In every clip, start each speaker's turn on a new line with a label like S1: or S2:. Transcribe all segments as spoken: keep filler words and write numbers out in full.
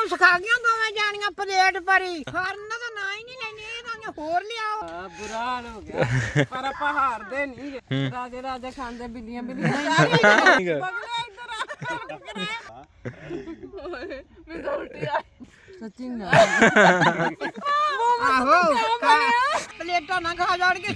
S1: ਮੋਮਸ ਖਾ ਗਈਆਂ ਦੋਵੇਂ ਜਾਣੀਆਂ ਪਲੇਟ ਭਰੀ ਫਰਨ ਦਾ ਨਾ ਹੀ ਨਹੀਂ ਲੈਣੇ ਇਹਨਾਂ ਹੋਰ ਲਿਆਓ।
S2: ਆ ਬੁਰਾ ਹਾਲ ਹੋ ਗਿਆ ਪਰ ਆਪਾਂ ਹਾਰਦੇ ਨਹੀਂ ਰਾਜੇ ਰਾਜੇ ਖਾਂਦੇ ਬਿੱਲੀਆਂ ਬਿੱਲੀਆਂ ਬਗਲੇ ਇੱਧਰ ਆ ਮੈਂ ਉਲਟੀ ਆ ਸੱਚੀ ਨਾ
S1: ਆਹੋ ਪਲੇਟਾਂ ਨਾ ਖਾ ਜਾਣ ਕੇ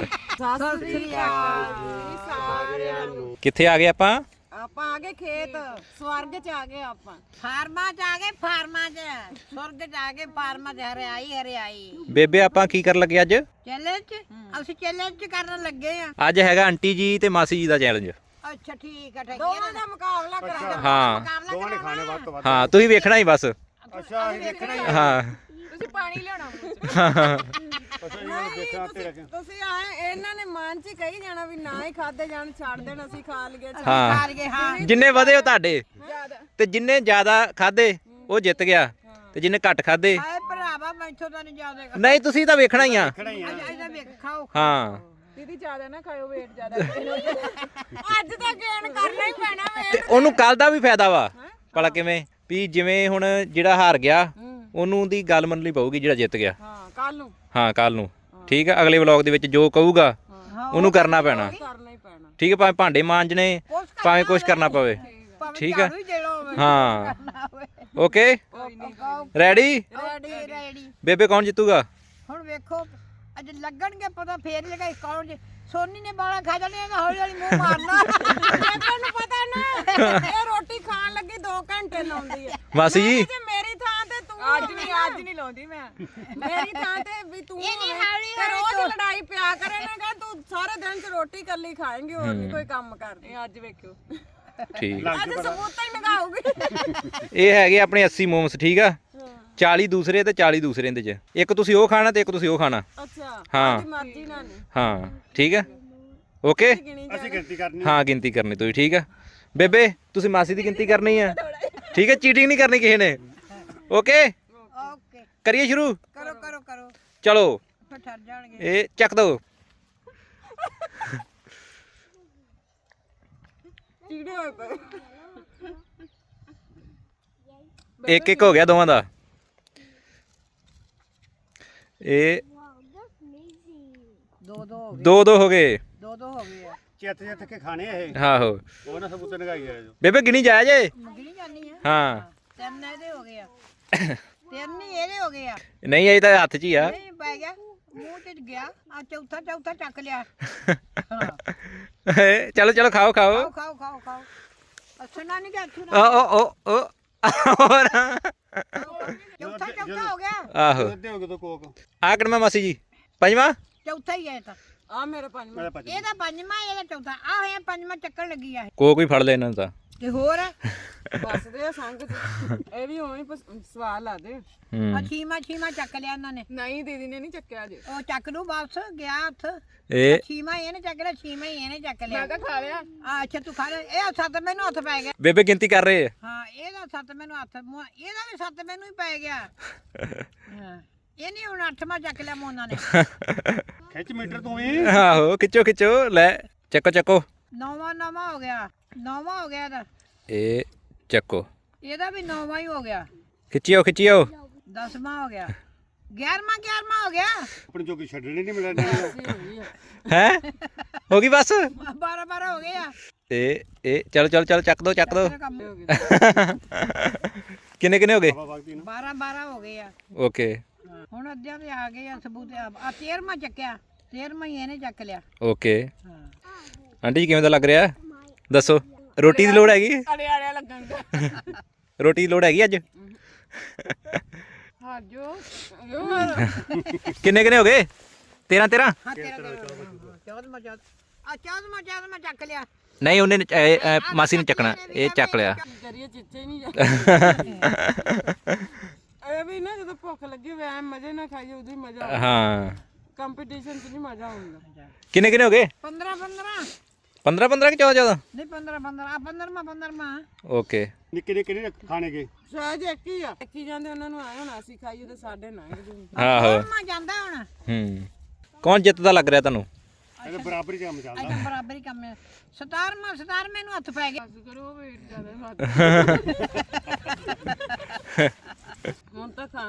S2: ਸਾਰਿਆਂ ਨੂੰ।
S3: ਕਿੱਥੇ ਆ ਗਏ ਆਪਾਂ?
S2: ਆਪਾਂ ਆ ਗਏ ਖੇਤ ਸਵਰਗ ਚ ਆ ਗਏ ਆਪਾਂ।
S1: ਫਾਰਮਾਂ ਚ ਆ ਗਏ ਫਾਰਮਾਂ ਚ ਸੁਰਗ ਚ ਆ ਗਏ ਫਾਰਮਾਂ ਚ ਹਰਿਆਈ ਹਰਿਆਈ।
S3: ਬੇਬੇ ਆਪਾਂ ਕੀ ਕਰਨ ਲੱਗੇ ਅੱਜ?
S1: ਚੈਲੰਜ ਅਸੀਂ ਚੈਲੰਜ ਕਰਨ ਲੱਗੇ ਆ।
S3: ਅੱਜ ਹੈਗਾ ਆਂਟੀ ਜੀ ਤੇ ਮਾਸੀ ਜੀ ਦਾ ਚੈਲੰਜ।
S1: ਅੱਛਾ ਠੀਕ ਹੈ ਠੀਕ
S2: ਦੋਵਾਂ ਦਾ ਮੁਕਾਬਲਾ ਕਰਾਂਗੇ।
S3: ਹਾਂ
S1: ਦੋਵਾਂ ਨੇ ਖਾਣੇ ਵੱਧ ਤੋਂ ਵੱਧ।
S3: ਹਾਂ ਤੁਸੀਂ ਵੇਖਣਾ ਹੀ ਬਸ।
S1: ਅੱਛਾ ਅਸੀਂ ਦੇਖਣਾ ਹੀ
S3: ਹਾਂ
S2: ਤੁਸੀਂ ਪਾਣੀ ਲਿਆਉਣਾ ਤੁਸੀਂ ਆਏ ਇਹਨਾਂ ਨੇ ਮਨ ਚ ਕਹੀ ਜਾਣਾ ਵੀ ਨਾ ਹੀ ਖਾਦੇ ਜਾਣ ਛੱਡ ਦੇਣ ਅਸੀਂ ਖਾ ਲਈਏ
S3: ਹਾਂ
S1: ਖਾ ਲਈਏ ਹਾਂ।
S3: ਜਿੰਨੇ ਵਧੇ ਉਹ ਤੁਹਾਡੇ ਤੇ ਜਿੰਨੇ ਜ਼ਿਆਦਾ ਖਾਦੇ ਉਹ ਜਿੱਤ ਗਿਆ ਤੇ ਜਿੰਨੇ ਘੱਟ ਖਾਦੇ
S1: ਆਏ ਭਰਾਵਾ ਮੈਥੋਂ ਤਾਂ ਨਹੀਂ ਜਾਦੇ
S3: ਨਹੀਂ ਤੁਸੀਂ ਤਾਂ ਵੇਖਣਾ ਹੀ ਆ।
S1: ਇਹਦਾ ਵੇਖ ਖਾਓ।
S3: ਹਾਂ
S2: ਦੀਦੀ ਜ਼ਿਆਦਾ ਨਾ ਖਾਇਓ ਵੇਟ ਜ਼ਿਆਦਾ ਅੱਜ ਤਾਂ ਗੇਨ ਕਰਨਾ ਹੀ ਪੈਣਾ ਵੇ।
S3: ਤੇ ਉਹਨੂੰ ਕੱਲ ਦਾ ਵੀ ਫਾਇਦਾ ਵਾ ਭਲਾ ਕਿਵੇਂ ਵੀ ਜਿਵੇਂ ਹੁਣ ਜਿਹੜਾ ਹਾਰ ਗਿਆ ਉਹਨੂੰ ਦੀ ਗੱਲ ਮੰਨਣੀ ਪਊਗੀ ਜਿਹੜਾ ਜਿੱਤ ਗਿਆ।
S2: ਹਾਂ ਕੱਲ ਨੂੰ
S3: ਹਾਂ ਕੱਲ ਨੂੰ ਠੀਕ ਹੈ ਅਗਲੇ ਵਲੌਗ ਦੇ ਵਿੱਚ ਜੋ ਕਹੂਗਾ ਉਹਨੂੰ ਕਰਨਾ ਪੈਣਾ।
S2: ਕਰਨਾ ਹੀ ਪੈਣਾ
S3: ਠੀਕ ਹੈ ਭਾਵੇਂ ਭਾਂਡੇ ਮਾਂਜਣੇ ਭਾਵੇਂ ਕੁਝ ਕਰਨਾ ਪਵੇ। ਠੀਕ ਹੈ ਹਾਂ ਓਕੇ ਰੈਡੀ
S1: ਰੈਡੀ ਰੈਡੀ।
S3: ਬੇਬੇ ਕੌਣ ਜਿੱਤੂਗਾ?
S1: ਹੁਣ ਵੇਖੋ ਅੱਜ ਲੱਗਣਗੇ ਪਤਾ ਫੇਰ ਲਗਾਈ ਕੌਣ ਜੀ। ਸੋਨੀ ਨੇ ਬਾਲਾ ਖਾ ਜਾਣੇ ਹੌਲੀ ਹੌਲੀ ਮੂੰਹ ਮਾਰਨਾ।
S2: ਤੁਹਾਨੂੰ ਪਤਾ ਨਾ ਇਹ ਰੋਟੀ ਖਾਣ ਲੱਗੀ ਦੋ ਘੰਟੇ ਲਾਉਂਦੀ ਹੈ।
S3: ਮਾਸੀ ਜੀ
S2: ਤੇ ਮੇਰੀ ਥਾਂ ਤੇ ਤੂੰ ਅੱਜ ਨਹੀਂ ਅੱਜ ਨਹੀਂ ਲਾਉਂਦੀ ਮੈਂ ਮੇਰੀ ਥਾਂ ਤੇ ਵੀ ਤੂੰ ਤੇ ਰੋਜ਼ ਲੜਾਈ ਪਿਆ ਕਰੇਗਾ ਤੂੰ ਸਾਰੇ ਦਿਨ ਚ ਰੋਟੀ ਕੱਲੀ ਖਾਏਂਗੀ ਹੋਰ ਨਹੀਂ ਕੋਈ ਕੰਮ ਕਰਦੀ ਅੱਜ ਵੇਖਿਓ
S3: ਠੀਕ
S2: ਅੱਜ ਸਬੂਤ ਹੀ ਲਗਾਉਗੀ।
S3: ਇਹ ਹੈਗੇ ਆਪਣੇ ਅੱਸੀ ਮੋਮਸ ਠੀਕ ਆ ਚਾਲੀ ਦੂਸਰੇ ਤੇ ਚਾਲੀ ਦੂਸਰੇ ਦੇ ਚ ਇੱਕ ਤੁਸੀਂ ਉਹ ਖਾਣਾ ਤੇ ਇੱਕ ਤੁਸੀਂ ਉਹ ਖਾਣਾ।
S2: ਅੱਛਾ
S3: ਹਾਂ
S2: ਮਰਜ਼ੀ ਨਾਲ ਨਹੀਂ
S3: ਹਾਂ ਠੀਕ ਹੈ ਓਕੇ
S2: ਅਸੀਂ ਗਿਣਤੀ ਕਰਨੀ
S3: ਹਾਂ ਗਿਣਤੀ ਕਰਨੀ ਤੁਸੀਂ ਠੀਕ ਆ। ਬੇਬੇ ਤੁਸੀਂ ਮਾਸੀ ਦੀ ਗਿਣਤੀ ਕਰਨੀ ਆ ਠੀਕ ਹੈ ਚੀਟਿੰਗ ਨਹੀਂ ਕਰਨੀ ਕਿਸੇ ਨੇ ਓਕੇ
S1: ਓਕੇ
S3: ਕਰੀਏ ਸ਼ੁਰੂ
S1: ਕਰੋ ਕਰੋ ਕਰੋ
S3: ਚਲੋ
S1: ਫਿਰ ਠਰ ਜਾਣਗੇ।
S3: ਇਹ ਚੱਕ ਦੋ
S2: ਚੀੜੇ ਹੋਏ ਪਏ
S3: ਇੱਕ ਇੱਕ ਹੋ ਗਿਆ ਦੋਵਾਂ ਦਾ। ਇਹ
S1: ਦੋ ਦੋ ਹੋ ਗਏ
S3: ਦੋ ਦੋ ਹੋ ਗਏ
S1: ਦੋ ਦੋ ਹੋ ਗਏ ਆ।
S4: ਚਿੱਤ ਚਿੱਤ ਕੇ ਖਾਣੇ ਇਹ
S3: ਆਹੋ
S4: ਉਹ ਨਾ ਸਬੂਤ ਲਗਾਈ ਜਾਏ।
S3: ਬੇਬੇ ਗਿਣੀ ਜਾਇਆ ਜੇ
S1: ਮੰਗਣੀ ਜਾਨੀ ਆ।
S3: ਹਾਂ
S1: ਤਿੰਨ ਇਹਦੇ ਹੋ ਗਏ ਆ ਤਿੰਨ ਹੀ ਇਹਦੇ ਹੋ ਗਏ ਆ।
S3: ਨਹੀਂ ਇਹ ਤਾਂ ਹੱਥ 'ਚ ਹੀ ਆ।
S1: ਨਹੀਂ ਪੈ ਗਿਆ ਮੂੰਹ ਚ ਗਿਆ ਆ ਚੌਥਾ ਚੌਥਾ ਚੱਕ ਲਿਆ।
S3: ਚਲੋ ਚਲੋ ਖਾਓ ਖਾਓ
S1: ਖਾਓ ਖਾਓ ਖਾਓ ਖਾਓ ਅਸਨਾ ਨਹੀਂ ਕਿ
S3: ਓ
S1: ਅਥੂ
S3: ਓ ਓ ਓ ਹੋਰ
S1: ਚੌਥਾ ਚੌਥਾ ਹੋ ਗਿਆ।
S3: ਆਹੋ
S4: ਅੱਧੇ ਹੋ ਗਏ ਤਾਂ ਕੋਕ
S3: ਆ ਕਿਹੜਾ ਮਾਸੀ ਜੀ ਪੰਜਵਾਂ
S1: ਚੌਥਾ ਹੀ ਹੈ ਇਹ ਤਾਂ
S2: ਆ ਮੇਰੇ ਪੰਜ
S4: ਮੇਰਾ ਭੱਜ
S1: ਇਹਦਾ ਪੰਜਵਾਂ ਇਹਦਾ ਚੌਥਾ ਆ ਹੋਇਆ ਪੰਜਵਾਂ ਚੱਕਣ ਲੱਗੀ ਆ
S3: ਕੋਕ ਵੀ ਫੜ ਲੈ ਇਹਨਾਂ ਨੂੰ ਤਾਂ
S1: ਤੇ ਹੋਰ
S2: ਬਸਦੇ ਆ ਸੰਗ ਚ ਇਹ ਵੀ ਉਵੇਂ ਹੀ ਸਵਾਲ ਲਾ ਦੇ।
S1: ਆ ਛੀਮਾ ਛੀਮਾ ਚੱਕ ਲਿਆ ਇਹਨਾਂ ਨੇ।
S2: ਨਹੀਂ ਦੀਦੀ ਨੇ ਨਹੀਂ ਚੱਕਿਆ ਜੇ
S1: ਉਹ ਚੱਕ ਲੂ ਵਾਪਸ ਗਿਆ ਹੱਥ।
S3: ਇਹ
S1: ਛੀਮਾ ਇਹਨੇ ਚੱਕ ਲਿਆ ਛੀਮਾ ਹੀ ਇਹਨੇ ਚੱਕ ਲਿਆ।
S2: ਮੈਂ ਤਾਂ ਖਾ ਲਿਆ
S1: ਆ ਅੱਛਾ ਤੂੰ ਖਾ ਲੈ ਇਹ ਸੱਤ ਮੈਨੂੰ ਹੱਥ ਪੈ ਗਿਆ।
S3: ਬੇਬੇ ਗਿਣਤੀ ਕਰ ਰਹੇ ਆ।
S1: ਹਾਂ ਇਹਦਾ ਸੱਤ ਮੈਨੂੰ ਹੱਥ ਮੂੰਹ- ਇਹਦਾ ਵੀ ਸੱਤ ਮੈਨੂੰ ਹੀ ਪੈ ਗਿਆ। ਹਾਂ ਇਹਨੇ ਹੁਣ ਅੱਠਵਾਂ ਚੱਕ ਲਿਆ ਮੋਨਾ ਨੇ।
S4: ਖਿੱਚ ਮੀਟਰ ਤੂੰ ਹੀ
S3: ਆਹੋ ਖਿੱਚੋ ਖਿੱਚੋ ਲੈ ਚੱਕੋ ਚੱਕੋ
S1: ਨੌਵਾਂ ਨੌਵਾਂ ਹੋ ਗਿਆ ਨੌਵਾਂ ਹੋ ਗਿਆ ਇਹਦਾ
S3: ਇਹ ਚੱਕੋ
S1: ਇਹਦਾ ਵੀ ਨੌਵਾਂ ਹੀ ਹੋ ਗਿਆ।
S3: ਖਿੱਚਿਓ ਖਿੱਚਿਓ
S1: ਦਸਵਾਂ ਹੋ ਗਿਆ ਗਿਆਰਵਾਂ ਗਿਆਰਵਾਂ ਹੋ ਗਿਆ।
S4: ਆਪਣੀ ਜੋਗੀ ਛੱਡਣੀ ਨਹੀਂ ਮਿਲਣੀ।
S3: ਹੈ ਹੋ ਗਈ ਬਸ
S1: ਬਾਰਾਂ ਬਾਰਾਂ ਹੋ ਗਏ ਆ।
S3: ਇਹ ਇਹ ਚਲੋ ਚਲੋ ਚਲੋ ਚੱਕ ਦੋ ਚੱਕ ਦੋ
S1: ਤੇਰਾ ਕੰਮ
S3: ਕਿੰਨੇ ਕਿੰਨੇ ਹੋ ਗਏ?
S1: ਬਾਰਾਂ ਬਾਰਾਂ ਹੋ ਗਏ ਆ।
S3: ਓਕੇ
S1: ਹੁਣ ਅੱਧਿਆਂ ਦੇ ਆ ਗਏ ਆ ਸਬੂਤ ਆ ਤੇਰਵਾਂ ਚੱਕਿਆ ਤੇਰਵਾਂ ਹੀ ਇਹਨੇ ਚੱਕ ਲਿਆ।
S3: ਓਕੇ
S1: ਹਾਂ
S3: ਆਂਟੀ ਜੀ ਕਿਵੇਂ ਦਾ ਲੱਗ ਰਿਹਾ ਦੱਸੋ ਰੋਟੀ ਦੀ ਲੋੜ ਹੈਗੀ
S2: ਅੜੇ ਅੜੇ ਲੱਗਣ ਦਾ
S3: ਰੋਟੀ ਦੀ ਲੋੜ ਹੈਗੀ ਅੱਜ
S2: ਹਾਂ ਜੋ
S3: ਕਿੰਨੇ ਕਿੰਨੇ ਹੋ ਗਏ ਤੇਰਾਂ ਤੇਰਾਂ
S1: ਹਾਂ ਤੇਰਾ ਚੌਦਵਾਂ ਚੌਦ ਆ ਚੌਦਵਾਂ ਚੌਦਵਾਂ ਚੱਕ ਲਿਆ।
S3: ਨਹੀਂ ਉਹਨੇ ਇਹ, ਇਹ, ਮਾਸੀ ਨੇ ਚੱਕਣਾ ਇਹ ਚੱਕ ਲਿਆ
S2: ਕਰੀਏ ਚਿੱਚੇ ਨਹੀਂ ਜਾ ਇਹ ਵੀ ਨਾ ਜਦੋਂ ਭੁੱਖ ਲੱਗੀ ਵੈ ਮਜ਼ੇ ਨਾਲ ਖਾਈਏ ਉਦੋਂ ਹੀ ਮਜ਼ਾ ਆਉਂਦਾ।
S3: ਹਾਂ
S2: ਕੰਪੀਟੀਸ਼ਨ 'ਚ ਨਹੀਂ ਮਜ਼ਾ ਆਉਂਦਾ।
S3: ਕਿੰਨੇ ਕਿੰਨੇ ਹੋ ਗਏ?
S1: ਪੰਦਰਾਂ ਪੰਦਰਾਂ
S3: ਪੰਦਰਾਂ ਪੰਦਰਾਂ ਕਿ ਚੌਦਾਂ ਚੌਦਾਂ?
S1: ਨਹੀਂ ਪੰਦਰਾਂ ਪੰਦਰਾਂ ਆ ਪੰਦਰਵਾਂ ਪੰਦਰਵਾਂ।
S3: ਓਕੇ
S4: ਨਿੱਕੇ ਨਿੱਕੇ ਨੇ ਖਾਣੇ ਗਏ
S2: ਸ਼ਾਇਦ ਇੱਕ ਹੀ ਆ ਇੱਕ ਹੀ ਜਾਂਦੇ ਉਹਨਾਂ ਨੂੰ ਆਏ ਹੁਣ ਅਸੀਂ ਖਾਈਏ ਤੇ ਸਾਡੇ ਨਾ
S3: ਆਹੋ
S1: ਮਾ ਜਾਂਦਾ ਹੁਣ
S3: ਹੂੰ ਕੌਣ ਜਿੱਤਦਾ ਲੱਗ ਰਿਹਾ ਤੁਹਾਨੂੰ?
S4: ਇਹ ਬਰਾਬਰੀ ਕੰਮ ਚੱਲਦਾ
S1: ਅੱਜ ਬਰਾਬਰ ਹੀ ਕੰਮ ਹੈ। ਸਤਾਰਵਾਂ ਸਤਾਰਵੇਂ ਨੂੰ ਹੱਥ ਪੈ ਗਿਆ।
S2: ਕਰੋ ਵੇਟ ਜ਼ਿਆਦਾ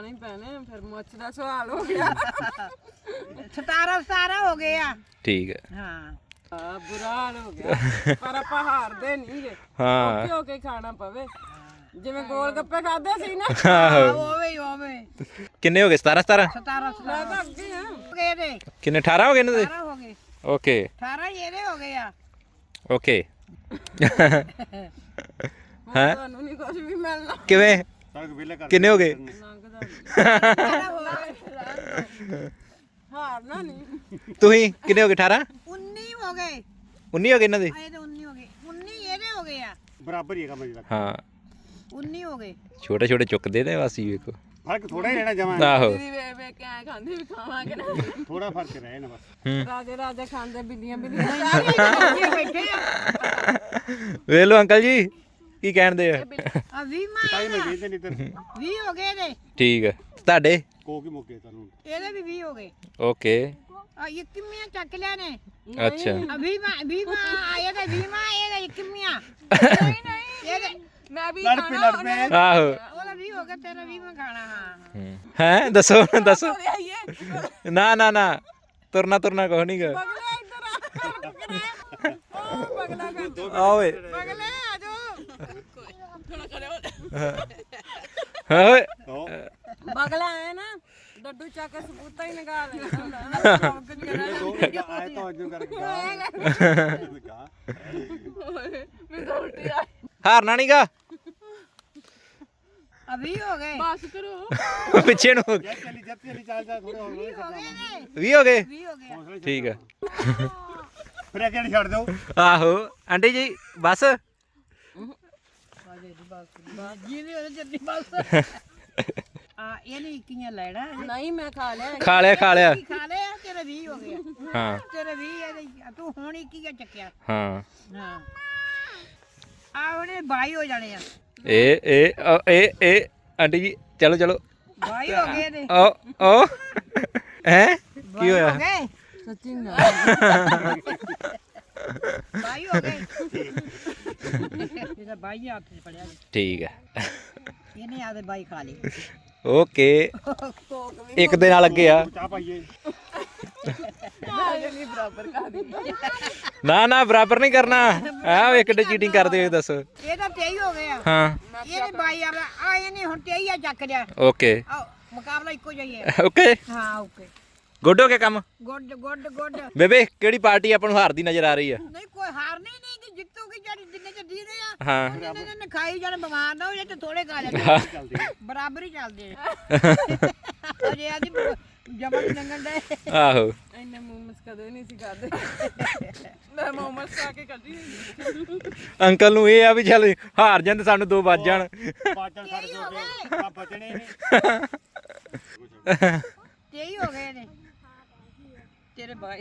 S2: ਹੀ ਪੈਣੇ ਫਿਰ ਮੁੱਛ ਦਾ ਸਵਾਲ ਹੋ ਗਿਆ
S1: ਸਤਾਰਾਂ ਸਤਾਰਾਂ ਹੋ ਗਏ ਆ
S3: ਠੀਕ ਹੈ
S1: ਹਾਂ
S2: ਆ ਬੁਰਾ ਹਾਲ ਹੋ ਗਿਆ ਪਰ ਆਪਾਂ ਹਾਰਦੇ ਨਹੀਂ ਗੇ
S3: ਹਾਂ
S2: ਔਖੇ ਹੋ ਕੇ ਖਾਣਾ ਪਵੇ ਜਿਵੇਂ ਗੋਲ ਗੱਪੇ ਖਾਦੇ ਸੀ ਨਾ
S3: ਆਹੋ
S1: ਓਵੇਂ ਓਵੇਂ
S3: ਕਿੰਨੇ ਹੋ ਗਏ ਸਤਾਰਾਂ ਸਤਾਰਾਂ
S1: ਸਤਾਰਾਂ
S2: ਮੈਂ
S1: ਸਤਾਰਾਂ
S2: ਤਾਂ ਅੱਗੇ ਆ
S1: ਹੋ ਗਏ ਇਹਦੇ
S3: ਕਿੰਨੇ ਅਠਾਰਾਂ ਹੋ ਗਏ ਇਹਨਾਂ ਦੇ
S1: ਅਠਾਰਾਂ ਹੋ ਗਏ
S3: ਓਕੇ
S1: ਅਠਾਰਾਂ ਹੀ ਇਹਦੇ ਹੋ ਗਏ ਆ
S3: ਓਕੇ
S2: ਹੁਣ ਤੁਹਾਨੂੰ ਨਹੀਂ ਕੁਝ ਵੀ ਮਿਲਣਾ
S3: ਕਿਵੇਂ
S4: ਸੜਕ ਵਿਹਲੇ ਕਰ
S3: ਕਿੰਨੇ ਹੋ ਗਏ
S2: ਲੰਘਦਾ ਨੀ। ਹਾਰਨਾ ਨਹੀਂ
S3: ਤੁਸੀਂ ਕਿੰਨੇ ਹੋ ਗਏ ਅਠਾਰਾਂ
S1: ਉੱਨੀ ਹੋ ਗਏ
S3: ਉੱਨੀ ਹੋ ਗਏ ਇਹਨਾਂ ਦੇ
S1: ਆਏ ਤੇ ਉੱਨੀ ਹੋ ਗਏ ਉੱਨੀ ਇਹਦੇ ਹੋ ਗਏ ਆ
S4: ਬਰਾਬਰ ਹੀ ਹੈਗਾ ਮੇਰੇ ਤੱਕ
S3: ਹਾਂ
S1: ਉੱਨੀ ਹੋ ਗਏ
S3: ਛੋਟੇ ਛੋਟੇ ਚੁੱਕਦੇ ਨੇ ਵਾਸੀ ਵੇਖੋ
S4: ਫਰਕ ਥੋੜਾ ਹੀ ਰਹਿਣਾ ਜਮਾਂ
S3: ਆਹੋ
S2: ਦੀਦੀ ਵੇ ਵੇ ਕਿਆ ਖਾਂਦੇ ਵੀ ਖਾਵਾਂਗੇ ਨਾ
S4: ਥੋੜਾ ਫਰਕ ਰਹੇ ਨਾ ਬਸ
S3: ਹੂੰ
S2: ਰਾਜੇ ਰਾਜੇ ਖਾਂਦੇ ਬਿੱਲੀਆਂ ਬਿੱਲੀਆਂ
S1: ਇਹ ਬੈਠੇ ਆ
S3: ਵੇਖ ਲਓ ਅੰਕਲ ਜੀ ਕੀ ਕਹਿੰਦੇ ਆ
S1: ਆ ਵੀਹ ਮਾਂ
S4: ਤਾਈ ਮੈਂ ਵੇਚਦੇ ਨਹੀਂ ਤੇ
S1: ਵੀਹ ਹੋ ਗਏ ਇਹਦੇ
S3: ਠੀਕ ਹੈ ਤੁਹਾਡੇ
S4: ਕੋ ਕੀ ਮੁੱਕੇ ਤੁਹਾਨੂੰ
S1: ਇਹਦੇ ਵੀ ਵੀਹ ਹੋ ਗਏ
S3: ਓਕੇ
S1: ਆ ਇਹ ਕਿੰਨੀਆਂ ਚੱਕ ਲਿਆ ਨੇ
S3: ਅੱਛਾ
S1: ਆ ਵੀਹ ਮਾਂ ਵੀਹ ਮਾਂ ਆਏ ਤੇ ਵੀਹ ਮਾਂ ਇਹਦੇ ਕਿੰਨੀਆਂ ਨਹੀਂ ਨਹੀਂ ਇਹਦੇ
S2: ਮੈਂ ਵੀ
S4: ਲੜ ਪੇ ਲੜ ਪੇ
S3: ਆਹੋ
S1: ਉਹਦਾ ਵੀਹ ਹੋ ਗਿਆ ਤੇਰਾ ਵੀਹ ਮਾਂ ਖਾਣਾ ਹਾਂ
S3: ਹੈ ਦੱਸੋ ਦੱਸੋ
S2: ਆਈਏ
S3: ਨਾ ਨਾ ਨਾ ਤੁਰਨਾ ਤੁਰਨਾ ਕੁਛ ਨਹੀਂ ਗਾ
S2: ਪਗਲੇ ਇੱਧਰ ਆ ਉਹ ਪਗਲਾ ਕਰ
S3: ਆ ਓਏ
S2: ਪਗਲੇ ਆ ਜਾਓ ਥੋੜਾ ਕਰਿਓ
S3: ਹਾਂ ਓਏ
S4: ਤੋ
S2: ਬਗਲਾ ਹੈ ਨਾ ਡੱਡੂ ਚੱਕ ਕੇ ਸਬੂਤਾ ਹੀ ਨਿਕਾਲ ਲੈਣਾ ਹੁੰਦਾ ਚੌਂਕ ਚ ਕਰਿਆ
S4: ਦੋ ਆਏ ਤਾਂ ਅੱਜ ਕਰਕੇ ਗਾ
S2: ਮੈਂ ਤਾਂ ਉਲਟੀ ਆ
S3: ਹਾਰਨਾ ਨਹੀਂਗਾ
S1: ਆ ਵੀਹ ਹੋ ਗਏ
S2: ਬਸ ਕਰੋ
S3: ਪਿੱਛੇ ਨੂੰ ਹੋ ਗਏ।
S4: ਜਦ ਚਲੀ ਜਦ ਚਲੀ ਚੱਲ ਜਾ ਥੋੜੇ ਹੋਰ
S1: ਵੀਹ ਹੋ ਗਏ ਨੇ
S3: ਵੀਹ ਹੋ ਗਏ
S1: ਵੀਹ ਹੋ ਗਏ ਆ।
S3: ਠੀਕ ਹੈ
S4: ਫਿਰ ਇਹ ਕਿਹੜੀ ਛੱਡ ਦਿਓ
S3: ਆਹੋ ਆਂਟੀ ਜੀ ਬਸ
S1: ਜਿਹਦੇ ਉਹਦੇ ਜੱਦੀ ਬਸ ਆ ਇਹਨੇ ਇੱਕੀਆਂ ਲੈਣਾ
S2: ਨਹੀਂ ਮੈਂ ਖਾ ਲਿਆ
S3: ਖਾ ਲਿਆ ਖਾ ਲਿਆ
S1: ਕੀ ਖਾ ਲਿਆ ਤੇਰੇ ਵੀਹ ਹੋ ਗਏ
S3: ਹਾਂ
S1: ਤੇਰੇ ਵੀਹ ਇਹਦੇ ਤੂੰ ਹੁਣ ਇੱਕੀਆਂ ਚੱਕਿਆ
S3: ਹਾਂ
S1: ਹਾਂ ਆ ਉਹਨੇ ਬਾਈ ਹੋ ਜਾਣੇ ਆ
S3: ਇਹ ਇਹ ਅ, ਇਹ ਇਹ ਆਂਟੀ ਜੀ ਚਲੋ ਚਲੋ
S1: ਬਾਈ ਹੋ ਗਏ ਨੇ
S3: ਓ ਓ ਹੈ ਕੀ ਹੋਇਆ
S1: ਹੋ ਗਏ
S2: ਸੱਚੀ ਨਾ
S1: ਬਾਈ ਹੋ ਗਏ ਇਹਦਾ ਬਾਈ ਹੱਥ 'ਚ ਫੜਿਆ ਜੀ।
S3: ਠੀਕ ਹੈ
S1: ਇਹਨੇ ਆਦੇ ਬਾਈ ਖਾ ਲਈ
S3: ਓਕੇ ਇੱਕ ਦੇ ਨਾਲ ਅੱਗੇ ਆ
S4: ਚਾਹ ਪਾਈਏ
S2: ਆਜੇ ਨਹੀਂ ਬਰਾਬਰ ਕਰ ਦਿੱਤਾ
S3: ਨਾ ਨਾ ਬਰਾਬਰ ਨਹੀਂ ਕਰਨਾ ਆ ਇੱਕ ਡੇ ਚੀਟਿੰਗ ਕਰਦੇ ਹੋ ਦੱਸੋ
S1: ਇਹ ਤਾਂ ਤੇਈ ਹੋ ਗਏ ਆ
S3: ਹਾਂ
S1: ਇਹਨੇ ਬਾਈ ਆ ਆ ਇਹਨੇ ਹੁਣ ਤੇਈ ਆ ਚੱਕ ਲਿਆ
S3: ਓਕੇ
S1: ਆ ਮੁਕਾਬਲਾ ਇੱਕੋ ਜਿਹਾ ਹੀ ਹੈ
S3: ਓਕੇ
S1: ਹਾਂ ਓਕੇ
S3: ਗੁੱਡ ਹੋ ਗਿਆ ਕੰਮ
S1: ਗੁੱਡ ਗੁੱਡ ਗੁੱਡ
S3: ਬੇਬੇ ਕਿਹੜੀ ਪਾਰਟੀ ਆਪਾਂ ਨੂੰ ਹਾਰਦੀ ਨਜ਼ਰ ਆ ਰਹੀ ਆ
S1: ਨਹੀਂ ਕੋਈ ਹਾਰਨੀ ਨਹੀਂ ਕਿ ਜਿੱਤੂਗੀ ਜਿਹੜੀ ਜਿੰਨੇ ਚ ਦੀ ਰਹੇ ਆ
S3: ਹਾਂ
S1: ਉਹਨੇ ਨੇ- ਨੇ ਖਾਈ ਜਾਣ ਬਿਮਾਰ ਨਾ ਹੋ ਜਾਏ ਤੇ ਥੋੜੇ ਖਾ ਲੈ
S4: ਚੱਲਦੀ
S1: ਬਰਾਬਰ ਹੀ ਚੱਲਦੇ ਆ ਅਜੇ ਆਦੀ ਜਬਰ ਨੰਗਣ ਦੇ
S3: ਆਹੋ
S2: ਇੰਨੇ ਮੋਮਸ ਕਦੇ ਨਹੀਂ ਸੀ ਖਾਦੇ ਮੈਂ ਮੋਮਸ ਖਾ ਕੇ ਕੱਢੀ
S3: ਅੰਕਲ ਨੂੰ ਇਹ ਆ ਵੀ ਚੱਲ ਹਾਰ ਜਾਂਦੇ ਸਾਨੂੰ ਦੋ ਵੱਜ ਜਾਣ
S4: ਪਾਚਣ ਛੱਡ ਦੋਗੇ ਆ ਬਚਣੇ ਨਹੀਂ
S1: ਤੇਈ ਹੋ ਗਏ ਨੇ ਤੇਰੇ ਬਾਈ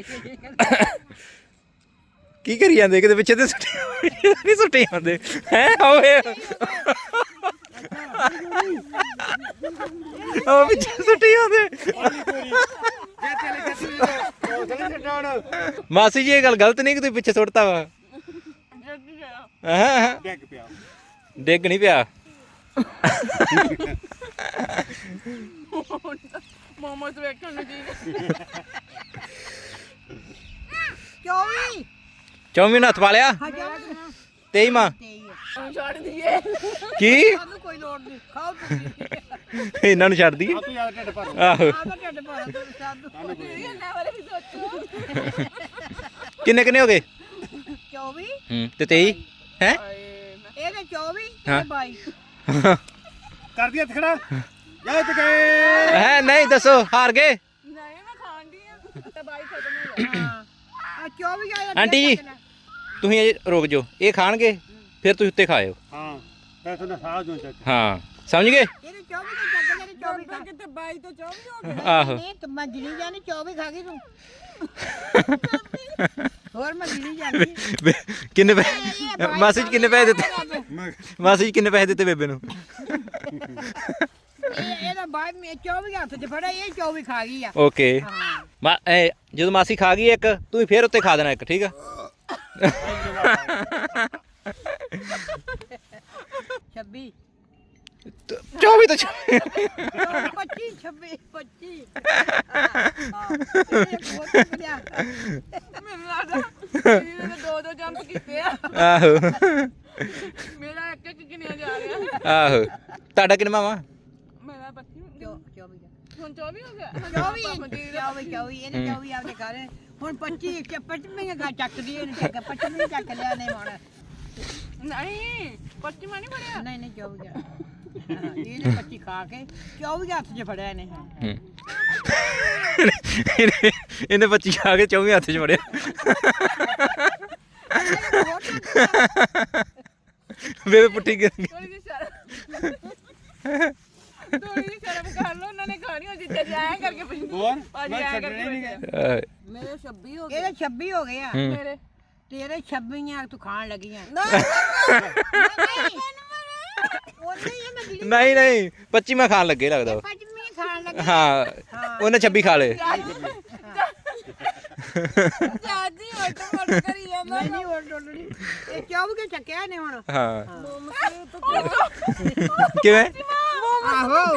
S3: ਕੀ ਕਰੀ ਜਾਂਦੇ ਕਿਤੇ ਪਿੱਛੇ ਤੇ ਸੁੱਟੇ ਨਹੀਂ ਸੁੱਟੇ ਜਾਂਦੇ ਹੈ ਓਏ ਉਹ ਪਿੱਛੇ ਸੁੱਟੇ ਜਾਂਦੇ
S4: ਜੇ ਚਲੇ ਜੱਤੀ ਉਹ ਚਲੇ ਛੱਡਣ
S3: ਮਾਸੀ ਜੀ ਇਹ ਗੱਲ ਗਲਤ ਨਹੀਂ ਕਿ ਤੁਸੀਂ ਪਿੱਛੇ ਸੁੱਟਤਾ ਵਾ ਹਾਂ
S4: ਡਿੱਗ ਪਿਆ
S3: ਡਿੱਗ ਨਹੀਂ ਪਿਆ
S2: ਮੋਮਸ ਵੇਖਣ ਨੂੰ ਜੀ
S1: ਚੌਵੀ
S3: ਚੌਵੀ ਨੂੰ ਹੱਥ ਪਾ ਲਿਆ
S1: ਹਜ਼ਾਰ
S3: ਤੇਈ ਮਾਂ
S1: ਤੇਈ ਹੈ
S2: ਹੁਣ ਛੱਡ ਦਈਏ
S3: ਕੀ
S1: ਸਾਨੂੰ ਕੋਈ ਲੋੜ ਨਹੀਂ ਖਾਓ ਤੁਸੀਂ
S3: ਇਹਨਾਂ ਨੂੰ ਛੱਡ ਦਈਏ
S4: ਆ ਤੂੰ ਯਾਰ ਢਿੱਡ ਭਰ
S3: ਆਹੋ
S1: ਆਦਾ ਢਿੱਡ ਭਰ ਦੋ ਸਾਨੂੰ
S2: ਇਹਨਾਂ ਬਾਰੇ ਵੀ ਸੋਚੋ
S3: ਕਿੰਨੇ ਕਿੰਨੇ ਹੋ ਗਏ
S1: ਚੌਵੀ
S3: ਹੂੰ ਤੇ ਤੇਈ ਹੈ
S2: ਆਏ
S1: ਇਹਦੇ ਚੌਵੀ
S3: ਹਾਂ।
S1: ਤੇ ਬਾਈ
S4: ਕਰ ਦਿਆ ਖੜਾ ਜਿੱਤ ਗਏ
S3: ਹੈ ਨਹੀਂ ਦੱਸੋ ਹਾਰ ਗਏ
S2: ਨਹੀਂ ਮੈਂ ਖਾਣ ਦੀ ਆ ਤੇ ਬਾਈ ਖਤਮ ਹੋ ਗਿਆ
S1: ਹਾਂ ਆ ਚੌਵੀ ਆਇਆ
S3: ਆਂਟੀ ਜੀ ਤੁਸੀਂ ਅਜੇ ਰੁਕ ਜਾਓ ਇਹ ਖਾਣਗੇ ਫਿਰ ਤੁਸੀਂ ਉੱਤੇ ਖਾਇਓ
S4: ਹਾਂ ਤੇ ਤੁਹਾਨੂੰ ਸਾਹ ਜੋ ਚੱਕ
S3: ਹਾਂ ਸਮਝ ਗਏ
S1: ਇਹਦੇ ਚੌਵੀ ਤੇ ਚੱਕ ਇਹਦੇ ਚੌਵੀ ਖਾ
S2: ਕਿਤੇ ਬਾਈ ਤੋਂ ਚੌਵੀ ਹੋ ਗਏ
S3: ਆਹੋ
S1: ਨਹੀਂ ਤੂੰ ਮੈਂ ਗਿਣੀ ਜਾਣੀ ਚੌਵੀ ਖਾ ਗਈ ਤੂੰ ਹੋਰ ਮੈਂ ਗਿਣੀ ਜਾਣੀ
S3: ਕਿੰਨੇ ਪੈਸੇ ਮਾਸੀ ਜੀ ਕਿੰਨੇ ਪੈਸੇ ਦਿੱਤੇ ਮਾਸੀ ਜੀ ਕਿੰਨੇ ਪੈਸੇ ਦਿੱਤੇ ਬੇਬੇ ਨੂੰ
S1: ਇਹ ਇਹਦਾ ਬਾਅਦ ਮੈਂ ਚੌਵੀ ਹੱਥ 'ਚ ਫੜਿਆ ਇਹ ਚੌਵੀ ਖਾ ਗਈ ਆ
S3: ਓਕੇ
S1: ਹਾਂ
S3: ਮਾ ਇਹ ਜਦੋਂ ਮਾਸੀ ਖਾ ਗਈ ਇੱਕ ਤੂੰ ਫੇਰ ਉੱਤੇ ਖਾ ਦੇਣਾ ਇੱਕ ਠੀਕ ਆ
S1: ਛੱਬੀ
S3: ਚੌਵੀ ਤੋਂ ਛੱਬੀ।
S1: ਪੱਚੀ ਛੱਬੀ ਪੱਚੀ ਹਾਂ ਬਹੁਤ ਵਧੀਆ
S2: ਮੈਨੂੰ ਲੱਗਦਾ ਇਹਨੇ ਤਾਂ ਦੋ ਦੋ ਜੰਪ ਕੀਤੇ ਆ
S3: ਆਹੋ
S2: ਮੇਰਾ ਇੱਕ ਇੱਕ ਗਿਣਿਆ ਜਾ ਰਿਹਾ
S3: ਆਹੋ ਤੁਹਾਡਾ ਕਿੰਨਾ ਵਾ?
S2: ਮੇਰਾ ਪੱਚੀ
S1: ਚੌਵੀ
S2: ਹੁਣ ਚੌਵੀ ਹੋ ਗਿਆ
S1: ਚੌਵੀ ਚੌਵੀ ਚੌਵੀ ਇਹਨੇ ਚੌਵੀ ਆਪਦੇ ਘਰ ਹੁਣ ਪੱਚੀ ਪੱਚਵੀਂ ਗਾ ਚੱਕਦੀ ਇਹਨੇ ਚੱਕ ਪੱਚਵੀਂ ਚੱਕ ਲਿਆ ਨੇ ਹੁਣ
S2: ਨਹੀਂ ਪੱਚੀ ਮੈਂ ਨਹੀਂ ਫੜਿਆ
S1: ਨਹੀਂ ਨਹੀਂ ਚੌਵੀ ਆ ਇਹਨੇ ਪੱਚੀ ਖਾ ਕੇ ਚੌਵੀ ਹੱਥ 'ਚ ਫੜਿਆ ਇਹਨੇ ਹਾਂ
S3: ਹੂੰ। ਇਹਨੇ ਇਹਨੇ ਪੱਚੀ ਖਾ ਕੇ ਚੌਵੀ ਹੱਥ 'ਚ ਫੜਿਆ। ਬੇਬੇ ਪੁੱਠੀ ਕਰ ਗਈ।
S2: ਥੋੜੀ ਜਿਹੀ ਸ਼ਰਮ ਥੋੜੀ ਜਿਹੀ ਸ਼ਰਮ ਕਰ ਲਓ ਉਹਨਾਂ ਨੇ ਖਾਣੀ ਹੋ ਜਿੱਥੇ ਜਾਇਆ ਕਰਕੇ ਪੁੱਛਦੀ
S4: ਹੋਰ
S2: ਭਾਜੀ
S4: ਮੈਂ
S2: ਆਇਆ
S4: ਛੱਡਣੇ
S2: ਕਰਕੇ
S4: ਨਹੀਂ
S2: ਪੁੱਛਿਆ।
S4: ਗਏ
S3: ਆਹ,
S2: ਮੇਰੇ ਛੱਬੀ ਹੋ
S1: ਇਹਦੇ ਛੱਬੀ ਹੋ ਗਏ ਆ
S3: ਹੂੰ।
S2: ਮੇਰੇ
S1: ਤੇਰੇ ਛੱਬੀ ਆ ਤੂੰ ਖਾਣ ਲੱਗੀ ਆ
S2: ਨਹੀਂ
S1: ਉਹਨੇ ਹੀ ਮੈਂ ਜਿਹੜੀ
S3: ਨਹੀਂ ਨਹੀਂ ਪੱਚੀ ਮੈਂ ਖਾਣ ਲੱਗੇ ਲੱਗਦਾ ਵਾ।
S1: ਪੱਚਵੀਂ ਖਾਣ ਲੱਗੀ
S3: ਹਾਂ ਉਹਨੇ ਛੱਬੀ ਖਾ ਲਏ।
S2: ਚਾਚੀ ਉੱਟ ਮੋੜ ਕਰੀ ਜਾਂਦਾ
S1: ਨਹੀਂ ਨਹੀਂ ਉਹ ਡੋਲਣੀ ਇਹ ਚੌਵੀ ਕੇ ਚੱਕਿਆ ਨੇ ਹੁਣ
S3: ਹਾਂ
S2: ਮੋਮਸ ਤੋਂ
S3: ਕਿਵੇਂ?
S1: ਆਹੋ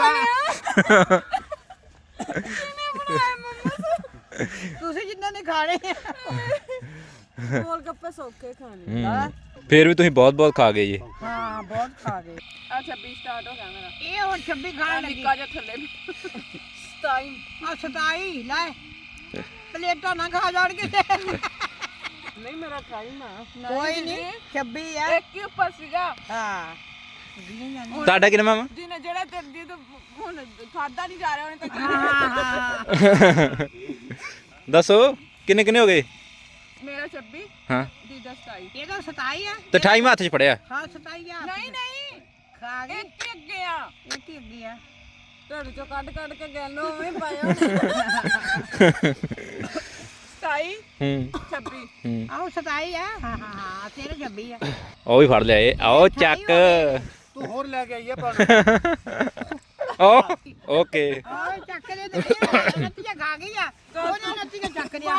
S1: ਤੁਸੀਂ ਜਿੰਨਾਂ ਨੇ ਖਾਣੇ ਆ
S2: ਗੋਲ ਗੱਪੇ ਸੌਕੇ ਖਾਣੇ
S3: ਹੂੰ। ਫੇਰ ਵੀ ਤੁਸੀਂ ਬਹੁਤ ਬਹੁਤ ਖਾ ਗਏ ਜੀ।
S1: ਹਾਂ ਬਹੁਤ ਖਾ ਗਏ
S2: ਆ ਛੱਬੀ ਸਟਾਰਟ ਹੋ ਗਿਆ ਮੇਰਾ
S1: ਇਹ ਹੁਣ ਛੱਬੀ ਖਾਣ ਲੱਗੀ
S2: ਨਿੱਕਾ ਜਿਹਾ ਥੱਲੇ ਸਟਾਈਮ
S1: ਆ ਸਤਾਈ ਲੈ ਪਲੇਟਾਂ ਨਾ ਖਾ ਜਾਣ ਕਿਤੇ
S2: ਨਹੀਂ ਮੇਰਾ ਟਾਈਮ ਆ
S1: ਕੋਈ ਨਹੀਂ ਛੱਬੀ ਆ
S2: ਇੱਕ ਹੀ ਉੱਪਰ ਸੀਗਾ
S1: ਹਾਂ
S3: ਤੁਹਾਡਾ ਕਿੰਨਾ ਵਾ?
S2: ਜਿਹਨੇ ਜਿਹੜਾ ਤੇ ਜਿਹਦੇ ਹੁਣ ਖਾਦਾ ਨਹੀਂ ਜਾ ਰਿਹਾ ਉਹਨੇ ਤਾਂ
S1: ਹਾਂ ਹਾਂ
S3: ਦੱਸੋ ਕਿੰਨੇ ਕਿੰਨੇ ਹੋ ਗਏ?
S2: ਮੇਰਾ ਛੱਬੀ
S3: ਹਾਂ
S2: ਦੀਦਾ ਸਤਾਈ
S1: ਇਹਦਾ ਸਤਾਈ ਆ
S3: ਤੇ ਅਠਾਈ ਹੱਥ 'ਚ ਫੜਿਆ।
S1: ਹਾਂ ਸਤਾਈ ਆ
S2: ਨਹੀਂ ਨਹੀਂ
S1: ਖਾ ਗਏ
S2: ਇੱਕ ਹੀ ਅੱਗੇ ਆ
S1: ਇੱਕ ਹੀ ਅੱਗੇ ਆ
S2: ਢਿੱਡ ਚੋਂ ਕੱਢ ਕੱਢ ਕੇ ਗੈਲੋ ਉਵੇਂ ਪਾਇਆ ਸਤਾਈ
S3: ਹੂੰ
S2: ਛੱਬੀ
S3: ਹੂੰ
S1: ਆਹੋ ਸਤਾਈ ਆ ਹਾਂ ਹਾਂ ਹਾਂ ਤੇਰੇ ਛੱਬੀ ਆ
S3: ਉਹ ਵੀ ਫੜ ਲਿਆ ਇਹ। ਆਓ ਚੱਕ।
S4: ਤੂੰ ਹੋਰ ਲੈ ਕੇ ਆਈਏ ਪਾਣੀ
S3: ਓ ਓਕੇ।
S1: ਓਏ ਚੱਕ ਲੈ ਤੇ ਨੱਤੀਆਂ ਖਾ ਗਈ ਆ ਉਹਨਾਂ ਨੱਤੀਆਂ ਚੱਕ ਲਿਆ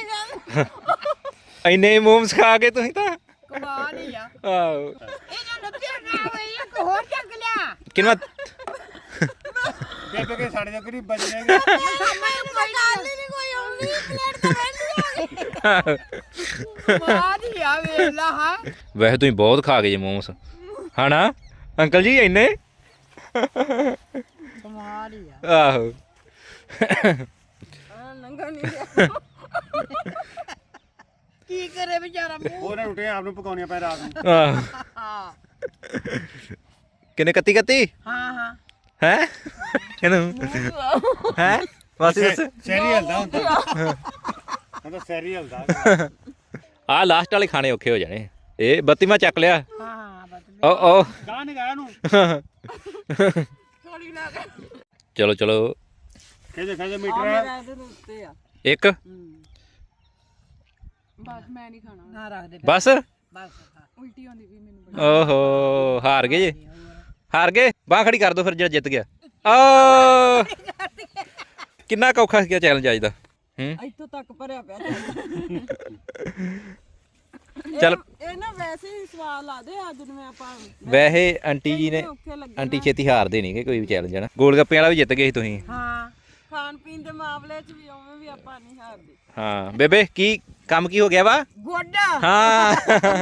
S3: ਇੰਨੇ ਮੋਮਸ ਖਾ ਕੇ ਤੁਸੀਂ ਤਾਂ
S1: ਕਮਾਲ ਹੀ ਆ
S3: ਆਹੋ
S1: ਇਹਨਾਂ ਨੱਤੀਆਂ ਖਾ ਗਈ ਇੱਕ ਹੋਰ ਚੱਕ ਲਿਆ
S3: ਕਿੰਨਾ?
S4: ਬੇਬੇ ਕੇ ਸਾਡੇ ਜੋਗਰੀ ਬਚ ਜਾਏਗਾ
S1: ਮੈਨੂੰ ਕੋਈ ਗੱਲ ਨਹੀਂ ਕੋਈ ਆਉਂਦੀ ਪਲੇਟ ਤੇ ਬੈਠੀ ਆ ਕਮਾਲ ਹੀ ਆ ਵੇਲਾ ਹਾਂ
S3: ਵੈਸੇ ਤੁਸੀਂ ਬਹੁਤ ਖਾ ਗਏ ਜੀ ਮੋਮਸ ਹਨਾ ਅੰਕਲ ਜੀ ਇੰਨੇ?
S1: ਕਮਾਲ ਹੀ ਆ
S3: ਆਹੋ
S2: ਆ ਲੰਘਾ ਨਹੀਂ ਗਿਆ
S1: ਕੀ ਕਰੇ ਵਿਚਾਰਾ ਮੂੰਹ
S4: ਹੋਰ ਰੋਟੀਆਂ ਆਪ ਨੂੰ ਪਕਾਉਣੀਆਂ ਪੈ ਰਾਤ ਨੂੰ
S3: ਆਹ
S1: ਹਾਂ
S3: ਕਿੰਨੇ ਕੱਤੀ ਕੱਤੀ
S1: ਹਾਂ ਹਾਂ
S3: ਹੈ ਇਹਨੂੰ ਹੈ ਬਸ ਬਸ
S4: ਸੈਰੀ ਹਲਦਾ ਹੁੰਦਾ ਹਾਂ ਤਾਂ ਸੈਰੀ ਹਲਦਾ
S3: ਆਹ ਲਾਸਟ ਵਾਲੇ ਖਾਣੇ ਔਖੇ ਹੋ ਜਾਣੇ। ਇਹ ਬੱਤੀਵਾਂ ਚੱਕ ਲਿਆ।
S1: ਹਾਂ ਬਸ
S3: ਓ ਓ
S4: ਗਾਹ ਨਿਗਾਹ ਨੂੰ
S2: ਥੋੜੀ ਲਾ ਕੇ
S3: ਚਲੋ ਚਲੋ
S4: ਕਿਹਦੇ ਕਿਹਦੇ
S2: ਆ
S4: ਮੀਟਰ
S2: ਮੇਰਾ ਇਹਦੇ ਉੱਤੇ ਆ
S3: ਇੱਕ
S2: ਬਸ ਮੈਂ ਨਹੀਂ ਖਾਣਾ
S1: ਨਾ ਰੱਖ ਦੇ
S3: ਬਸ।
S1: ਬਸ ਹਾਂ।
S2: ਉਲਟੀ ਆਉਂਦੀ ਵੀ ਮੈਨੂੰ
S3: ਓਹੋ ਹਾਰ ਗਏ ਜੀ। ਹਾਰ ਗਏ। ਬਾਂਹ ਖੜੀ ਕਰ ਦੋ ਫਿਰ ਜਿਹੜਾ ਜਿੱਤ ਗਿਆ। ਓ ਕਿੰਨਾ ਕੁ ਔਖਾ ਸੀ ਚੈਲੰਜ ਅੱਜ ਦਾ? ਹੂੰ
S2: ਇੱਥੋਂ ਤੱਕ ਭਰਿਆ ਪਿਆ
S3: ਚੱਲ
S2: ਇਹ ਨਾ ਵੈਸੇ ਹੀ ਸਵਾਲ ਲਾਦੇ ਅੱਜ ਨੂੰ ਆਪਾਂ
S3: ਵੈਸੇ ਆਂਟੀ ਜੀ ਨੇ
S2: ਔਖੇ ਲੱਗੇ
S3: ਆਂਟੀ ਛੇਤੀ ਹਾਰਦੇ ਨਹੀਂਗੇ ਕੋਈ ਵੀ ਚੈਲੰਜ ਨਾ। ਗੋਲ ਗੱਪੇ ਵਾਲਾ ਵੀ ਜਿੱਤ ਗਏ ਸੀ ਤੁਸੀਂ।
S1: ਹਾਂ
S2: ਖਾਣ ਪੀਣ ਦੇ ਮਾਮਲੇ 'ਚ ਵੀ ਉਵੇਂ ਵੀ ਆਪਾਂ ਨਹੀਂ ਹਾਰਦੇ
S3: ਹਾਂ ਬੇਬੇ ਕੀ ਕੰਮ ਕੀ ਹੋ ਗਿਆ ਵਾ?
S1: ਗੋਡਾ
S3: ਹਾਂ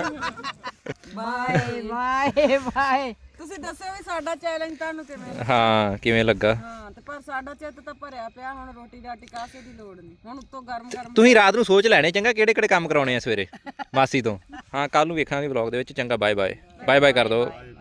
S1: ਬਾਏ ਬਾਏ ਬਾਏ
S2: ਤੁਸੀਂ ਦੱਸਿਓ ਵੀ ਸਾਡਾ ਚੈਲੰਜ ਤੁਹਾਨੂੰ ਕਿਵੇਂ ਲੱਗਾ?
S3: ਹਾਂ ਕਿਵੇਂ ਲੱਗਾ?
S2: ਹਾਂ ਤੇ ਪਰ ਸਾਡਾ ਚਿੱਤ ਤਾਂ ਭਰਿਆ ਪਿਆ ਹੁਣ ਰੋਟੀ ਰਾਟੀ ਕਾਸੇ ਦੀ ਲੋੜ ਨਹੀਂ ਹੁਣ ਉੱਤੋਂ ਗਰਮ ਗਰਮ
S3: ਤੁਸੀਂ ਰਾਤ ਨੂੰ ਸੋਚ ਲੈਣੇ ਚੰਗਾ ਕਿਹੜੇ ਕਿਹੜੇ ਕੰਮ ਕਰਾਉਣੇ ਆ ਸਵੇਰੇ ਮਾਸੀ ਤੋਂ। ਹਾਂ ਕੱਲ ਨੂੰ ਵੇਖਾਂਗੇ ਵਲੌਗ ਦੇ ਵਿੱਚ। ਚੰਗਾ ਬਾਏ ਬਾਏ ਬਾਏ ਬਾਏ ਕਰ ਦਿਓ।